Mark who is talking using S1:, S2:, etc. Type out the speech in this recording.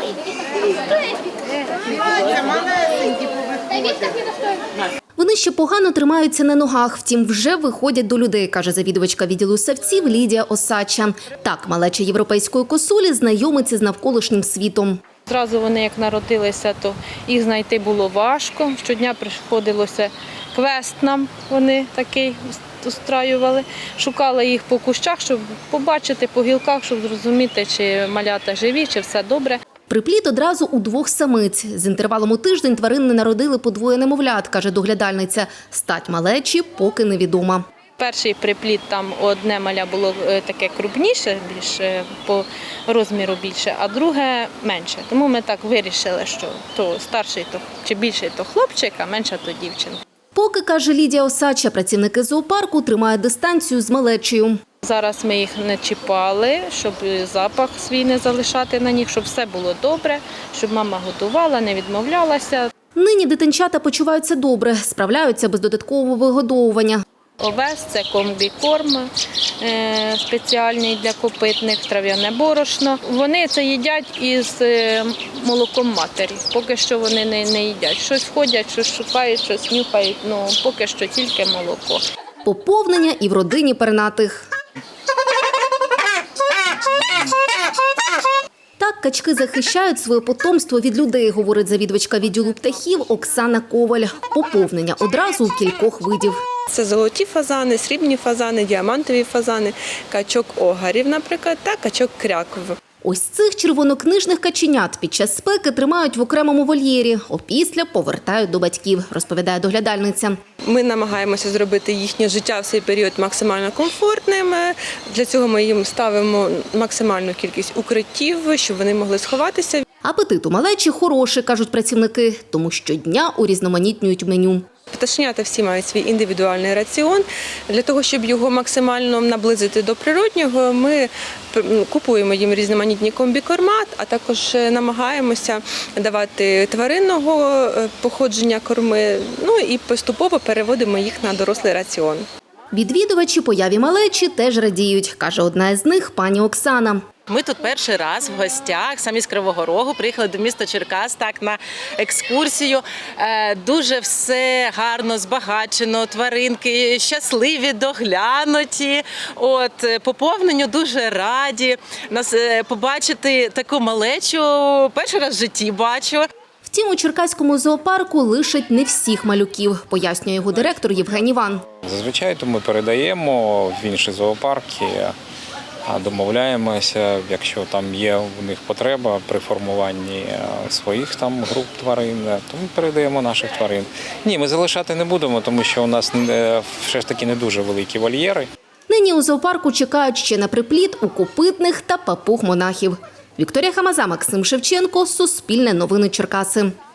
S1: Вони ще погано тримаються на ногах, втім вже виходять до людей, каже завідувачка відділу савців Лідія Осадча. Так, малеча європейської косулі знайомиться з навколишнім світом.
S2: Зразу вони, як народилися, то їх знайти було важко. Щодня приходилося квест нам, вони такий устраювали. Шукали їх по кущах, щоб побачити, по гілках, щоб зрозуміти, чи малята живі, чи все добре.
S1: Приплід одразу у 2 самиць. З інтервалом у тиждень тварини народили по 2 немовлят, каже доглядальниця. Стать малечі поки невідома.
S2: Перший приплід, там одне маля було таке крупніше, більше по розміру більше, а друге менше. Тому ми так вирішили, що то старший, то чи більший, то хлопчик, а менша то дівчинка.
S1: Поки, каже Лідія Осадча, працівники зоопарку тримають дистанцію з малечею.
S2: Зараз ми їх не чіпали, щоб запах свій не залишати на них, щоб все було добре, щоб мама готувала, не відмовлялася.
S1: Нині дитинчата почуваються добре, справляються без додаткового вигодовування.
S2: Овес – це комбікорм спеціальний для копитних, трав'яне борошно. Вони це їдять із молоком матері. Поки що вони не їдять. Щось ходять, щось шукають, щось нюхають, але поки що тільки молоко.
S1: Поповнення і в родині пернатих. Так качки захищають своє потомство від людей, говорить завідувачка відділу птахів Оксана Коваль. Поповнення одразу у кількох видів.
S3: Це золоті фазани, срібні фазани, діамантові фазани, качок огарів, наприклад, та качок кряков.
S1: Ось цих червонокнижних каченят під час спеки тримають в окремому вольєрі, опісля повертають до батьків, розповідає доглядальниця.
S3: Ми намагаємося зробити їхнє життя в цей період максимально комфортним. Для цього ми їм ставимо максимальну кількість укриттів, щоб вони могли сховатися.
S1: Апетит у малечі хороший, кажуть працівники, тому щодня урізноманітнюють меню.
S3: Пташенята всі мають свій індивідуальний раціон. Для того, щоб його максимально наблизити до природнього, ми купуємо їм різноманітні комбікорма, а також намагаємося давати тваринного походження корми, і поступово переводимо їх на дорослий раціон.
S1: Відвідувачі появі малечі теж радіють, каже одна із них пані Оксана.
S4: Ми тут перший раз в гостях, самі з Кривого Рогу, приїхали до міста Черкас на екскурсію. Дуже все гарно, збагачено, тваринки щасливі, доглянуті. Поповненню дуже раді. Нас побачити таку малечу перший раз в житті бачу.
S1: Втім, у Черкаському зоопарку лишать не всіх малюків, пояснює його директор Євген Іван.
S5: Зазвичай то ми передаємо в інші зоопарки, домовляємося, якщо там є у них потреба при формуванні своїх там груп тварин, то ми передаємо наших тварин. Ні, ми залишати не будемо, тому що у нас все ж таки не дуже великі вольєри.
S1: Нині у зоопарку чекають ще на приплід у копитних та папуг монахів. Вікторія Хамаза, Максим Шевченко, Суспільне новини Черкаси.